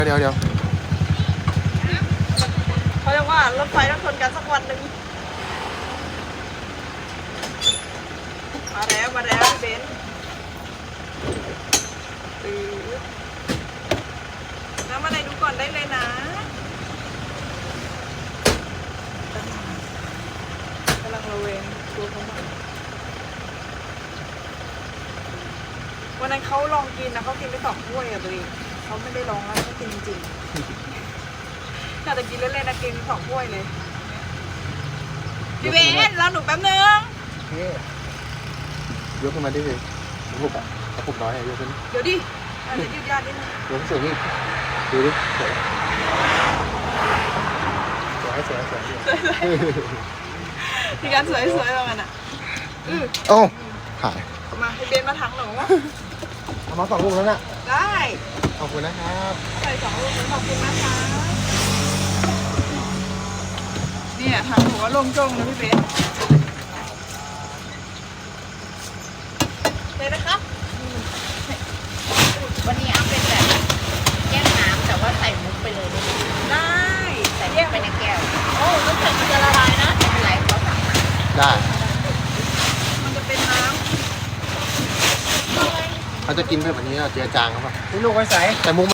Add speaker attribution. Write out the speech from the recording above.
Speaker 1: เดี๋ยว
Speaker 2: เขาเรียกว่ารถไฟต้องชนกันสักวันหนึ่งมาแล้วพี่เบนน้ำอะไรดูก่อนได้เลยนะกำลังระเวงตัวเขามาวันนั้นเขาลองกินนะเขากินไป2 ถ้วยอะตัวเองเขาไม่ได้ลองแล้วเขากินจริงๆน่าจะกินเล่นๆนะกิน2 ถ้วยเลยพี่เบนรอหนูแป๊บนึง
Speaker 1: ยกขึ้นมาดิเลยกระปุกอ่ะกระปุกน้อยยกขึ้น
Speaker 2: เดี๋ยวดิเดี๋ยวยืดยาดนิดนึง
Speaker 1: ยกสูงนี่ดูดิสวย
Speaker 2: มีการสวยๆประมาณน่ะ
Speaker 1: โอ้หาย
Speaker 2: มาพี่เบนมาถังหนู
Speaker 1: เอามา2 ลูกแล้วน่ะ
Speaker 2: ได้
Speaker 1: ขอบคุณนะครับ
Speaker 2: ใส่2 ลูกขอบคุณนะคะเนี่ยถังหนูก็โล่งจ้งนะพี่เบนเลยนะครับ
Speaker 3: วันนี้เอาเป็นแบบแก้วน้ำแต่ว่าใส่มุกไปเลยได้ไหม
Speaker 2: ได้
Speaker 3: ใส่มุกไปในแก้วโอ้น้ำแข็งมันจะละลายนะไม่เป็นไรเขาสั่งมา
Speaker 1: ได้
Speaker 2: มันจะเป็นน้ำ
Speaker 1: เขาจะกินแบบนี้เจือจางครับป่ะ
Speaker 4: ลูกไว้ใส่
Speaker 1: แต่มุก